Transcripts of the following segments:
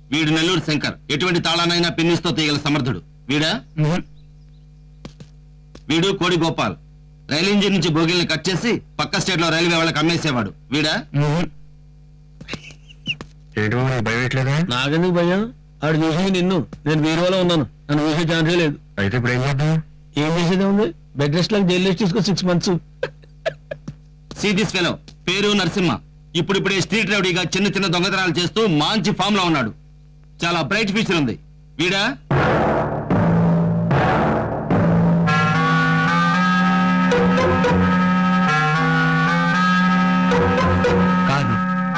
వీడు నెల్లూరు శంకర్, ఎటువంటి తాళానైనా పిన్నిస్తో తీయగల సమర్థుడు. వీడా? వీడు కోడి గోపాల్, రైలు ఇంజిన్ నుంచి బోగిల్ని కట్ చేసి పక్క స్టేట్ లో రైల్వే వాళ్ళకి అమ్మేసేవాడు. వీడా? నాకెందుకు భయం? ఆడు చూసి నిన్ను, నేను బీరువాలో ఉన్నాను, నన్ను చూసే ఛాన్సే లేదు. అయితే ఇప్పుడు ఏం చేద్దాం? ఏం చేసేదే ఉంది? బెడ్ రెస్ట్ లాగా జైలు తీసుకో 6 months. సీ దిస్ ఫెలో, పేరు నరసింహ. ఇప్పుడిప్పుడే స్ట్రీట్ రౌడీగా చిన్న చిన్న దొంగతనాలు చేస్తూ మంచి ఫామ్ లో ఉన్నాడు. చాలా బ్రైట్ ఫ్యూచర్ ఉంది. వీడా? కాదు.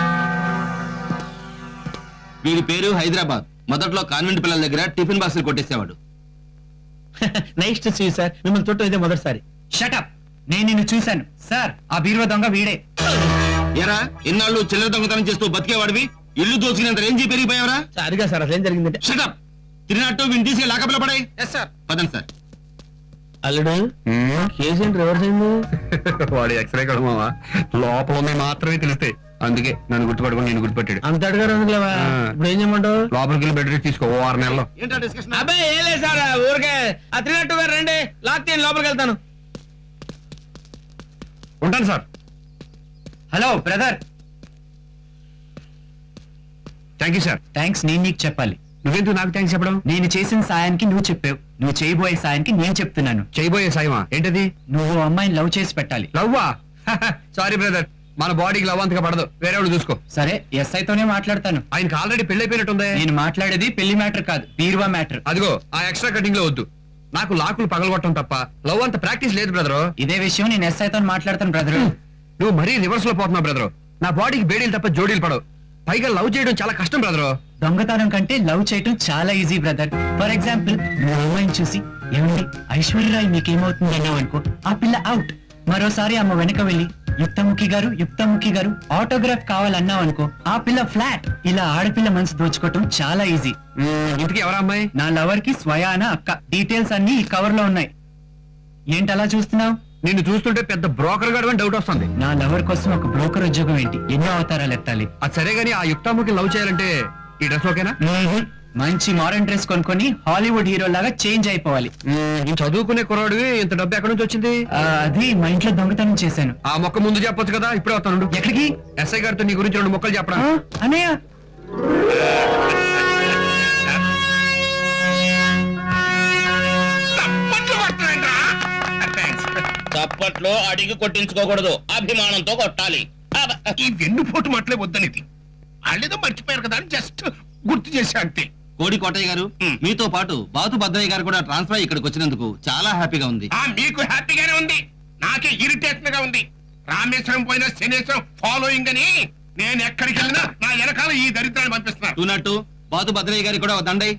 వీడి పేరు హైదరాబాద్. మొదట్లో కాన్వెంట్ పిల్లల దగ్గర టిఫిన్ బాక్సులు కొట్టేసేవాడు. నెక్స్ట్ సీ సార్, మిమ్మల్ని చుట్టూ ఇదే మొదటిసారి. షటప్, నేను నిన్ను చూశాను సార్. ఆ బీరువా దొంగ వీడే. ఎరా, ఇన్నాళ్ళు చిల్లర దొంగతనం చేస్తూ బతికేవాడివి, ఇల్లు దోచుకునేంత రేంజీ పెరిగిపోయావరా? సారిగా సార్, అసలు ఏం జరిగిందంటే షటప్, తిరిగినట్టు విని తీసి లాకప్లో పడాయి. పదండి సార్. అల్లుడు, కేసు ఏంటి రివర్స్ అయింది? వాడు ఎక్స్రే కడమావా, లోపల ఉన్నాయి మాత్రమే తెలుస్తాయి. అందుకే నన్ను గుర్తుపట్టుకుని నేను గుర్తుపెట్టాడు. అంత అడిగారు అందుకులేవా? ఇప్పుడు ఏం చేయమంటావు? లోపలికి వెళ్ళి బెడ్ రెస్ట్ తీసుకో 6 నెలల్లో. ఏంటా డిస్కషన్? అబ్బాయి ఏం లేదు సార్, ఊరికే ఆ 302 గారు రండి, లాక్ తీయండి, లోపలికి వెళ్తాను. ఉంటాను sir. Hello brother. Thank you sir. Thanks నేను నీకు చెప్పాలి. నువ్వెందుకు నాకు థ్యాంక్స్ చెప్పడం? నేను చేసిన సాయానికి నువ్వు చెప్పావు, నువ్వు చేయబోయే సాయానికి నేను చెప్తున్నాను. చేయబోయే సాయమా? ఏంటది? నువ్వు అమ్మాయిని లవ్ చేసి పెట్టాలి. లవ్వా? సారీ బ్రదర్, మన బాడీకి లవ్ అంతగా పడదు, వేరే వాడు చూసుకో. సరే, ఎస్ఐతోనే మాట్లాడతాను. ఆయనకి ఆల్రెడీ పెళ్లి అయిపోయినట్టుంది. నేను మాట్లాడేది పెళ్లి మ్యాటర్ కాదు, బీరువా మ్యాటర్. అదిగో ఆ ఎక్స్ట్రా కటింగ్ లో వద్దు. నాకు లాకులు పగలగొట్టడం తప్ప లవ్ అంత ప్రాక్టీస్ లేదు బ్రదరు. ఇదే విషయం నేను ఎస్ఐతో మాట్లాడతాను బ్రదర్. నువ్వు మరీ రివర్స్ లో పోతున్నావు బ్రదరు. నా బాడీకి బేడీలు తప్ప జోడీలు పడవు. పైగా లవ్ చేయడం చాలా కష్టం బ్రదరు. దొంగతనం కంటే లవ్ చేయటం చాలా ఈజీ బ్రదర్. ఫర్ ఎగ్జాంపుల్, నువ్వు అమ్మాయిని చూసి ఏమండి ఐశ్వర్యరాయ్ మీకేమవుతుంది అన్నావు అనుకో, ఆ పిల్ల అవుట్. మరోసారి అమ్మ వెనక వెళ్ళి యుక్తముఖి గారు ఆటోగ్రాఫ్ కావాలన్నావు అనుకో, ఆ పిల్ల ఫ్లాట్. ఇలా ఆడపిల్ల మనసు దోచుకోవటం చాలా ఈజీ. ఇంటికి ఎవరా అమ్మాయి? నా లవర్ కి స్వయాన అక్క. డీటెయిల్స్ అన్ని ఈ కవర్ లో ఉన్నాయి. ఏంటి అలా చూస్తున్నావు? నిన్ను చూస్తుంటే పెద్ద బ్రోకర్ గాడు అని డౌట్ వస్తుంది. నా లవర్ కోసం ఒక బ్రోకర్ ఉద్యోగం ఏంటి? ఎన్నో అవతారాలు ఎత్తాలి. అది సరే గానీ ఆ యుక్తాముఖి లవ్ చేయాలంటే ఈ డ్రెస్ ఓకేనా? మంచి మోడర్న్ డ్రెస్ కొనుక్కొని హాలీవుడ్ హీరో లాగా చేంజ్ అయిపోవాలి. చదువుకునే కుర్రాడివి, ఇంత డబ్బు ఎక్కడి నుంచి వచ్చింది? అది మా ఇంట్లో దొంగతనం చేశాను. ఆ మొక్క ముందు చెప్పొచ్చు కదా. ఇప్పుడే వస్తాను. ఎక్కడికి? ఎస్ఐ గారితో నీ గురించి 2 మొక్కలు చెప్పడం. అన్నయ్య, చప్పట్లో అడిగి కొట్టించుకోకూడదు, అభిమానంతో కొట్టాలి. ఈ వెన్నుపోటు మాటలే వద్దనిది. వాళ్ళేదో మర్చిపోయారు కదా అని జస్ట్ గుర్తు చేశా అంతే. కోడి కోటయ్య గారు, మీతో పాటు బాతు భద్రయ్య గారు కూడా ట్రాన్స్ఫర్ అయ్యి ఇక్కడికి వచ్చినందుకు చాలా హ్యాపీగా ఉంది. మీకు హ్యాపీగానే ఉంది, నాకే ఇరిటేషన్ గా ఉంది. రామేశ్వరం పోయిన శనేశ్వరం ఫాలోయింగ్ అని నేను ఎక్కడికి వెళ్ళినా నా వెనకాల ఈ దరిద్రాన్ని పంపిస్తున్నారు. చూనట్టు బాతు భద్రయ్య గారికి కూడా దండై.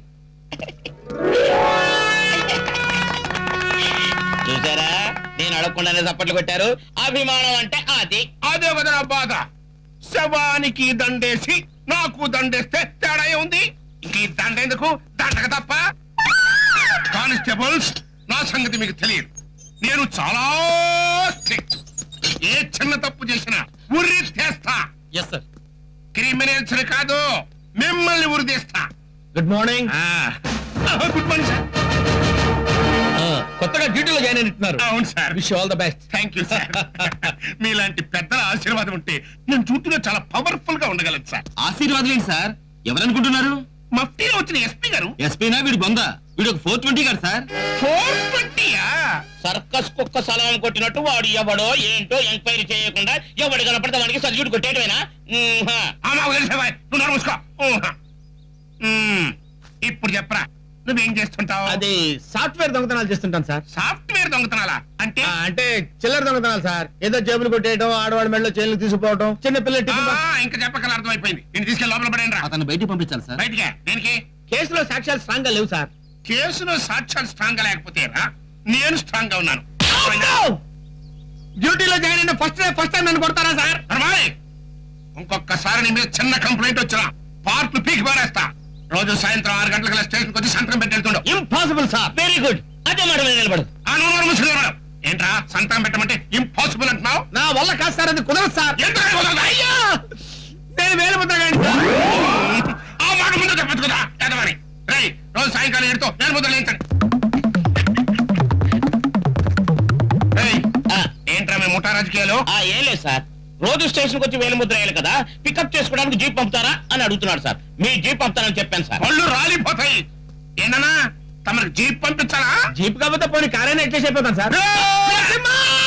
చూసారా, నేను అడగకుండానే చప్పట్లు కొట్టారు. అభిమానం అంటే అది. అదే కదా నా బాధ. శవానికి దండేసి నాకు దండేస్తే తేడా ఉంది. ఈ దండ ఎందుకు? దండక తప్ప. కానిస్టేబుల్స్, నా సంగతి మీకు తెలియదు. నేను చాలా స్ట్రిక్ట్. ఏ చిన్న తప్పు చేసినా ఉరి తీస్తా. క్రిమినల్స్ కాదు, మిమ్మల్ని ఉరి తీస్తా. Good morning. Good morning sir. కొత్తగా డ్యూటీలో జాయిన్ అయినట్టున్నారు. అవును sir. Wish all the best. Thank you sir. మీలాంటి పెద్దల ఆశీర్వాదం ఉంటే నేను డ్యూటీలో చాలా పవర్ఫుల్ గా ఉండగలను సార్. ఆశీర్వాదం ఏంటి సార్? ఎవరనుకుంటున్నారు? మఫ్టీలో వచ్చిన ఎస్పీ గారు. ఎస్పీనా? వీడు బొంద. వీడు ఒక 420 గారు సార్. 420యా? సర్కస్ కుక్క సలాం కొట్టినట్టు వాడు ఎవడో ఏంటో ఎంక్వైరీ చేయకుండా ఎవడు కనపడితే వాడికి సల్యూట్ కొట్టేయడమేనా? నువ్వు నడుముసుకో. ఇప్పుడు చెప్పరా, నువ్వేం చేస్తుంటావు? అది సాఫ్ట్వేర్ దొంగతనాలు చేస్తుంటాను సార్. సాఫ్ట్వేర్ దొంగతనాలా అంటే? అంటే చిల్లర దొంగతనాలు సార్. ఏదో జేబులు కొట్టేయడం, ఆడవాడి మెడలో చైన్లు తీసుకుపోవడం, చిన్న పిల్లలు. ఇంకా చెప్పగల అర్థమైపోయింది. నేను తీసుకెళ్ళి లోపల పడేయండి రా. అతను బయటికి పంపించాలి సార్. బయటికే? దేనికి? కేసులో సాక్ష్యాలు స్ట్రాంగ్ గా లేవు సార్. కేసులో సాక్ష్యాలు స్ట్రాంగ్ గా లేకపోతే రా, నేను స్ట్రాంగ్ గా ఉన్నాను. డ్యూటీలో జాయిన్ అయిన ఫస్ట్ టైం నన్ను కొడతారా సార్? ఇంకొకసారి నీ మీద చిన్న కంప్లైంట్ వచ్చినా పార్ట్లు పీకి పారేస్తా. రోజు సాయంత్రం 6 గంటలకు స్టేషన్ వచ్చి సంతకం పెట్టెళ్తుండవు. Impossible sir. Very good. అదే మాట మీద నిలబడు. ఏంట్రా సంతకం పెట్టమంటే ఇంపాసిబుల్ అంటున్నావు? నా వల్ల కాదు సార్, అది కుదరదు సార్. ఏంట్రా కుదరదు? నేను వేలు ముద్ర ఆ మాట ముందు చెప్పండి. బతుకుదా ఎదవని రై రోజు సాయంకాలం ఏడుతో నేను ముద్ర లేంచండి ఏంట్రా మీ ముఠా రాజకీయాలు ఏం లేదు సార్ రోజు స్టేషన్కి వచ్చి వేలిముద్ర వేయాలి కదా పికప్ చేసుకోవడానికి జీప్ పంపుతారా అని అడుగుతున్నాడు సార్ మీ జీప్ పంపుతానని చెప్పాను సార్ పళ్ళు రాలిపోతాయి ఏంటన్నా తమకు జీప్ పంపించాలా జీప్ కాకపోతే పోనీ కారైనా ఎట్లా చెప్పేద్దాం సార్ నరసింహ!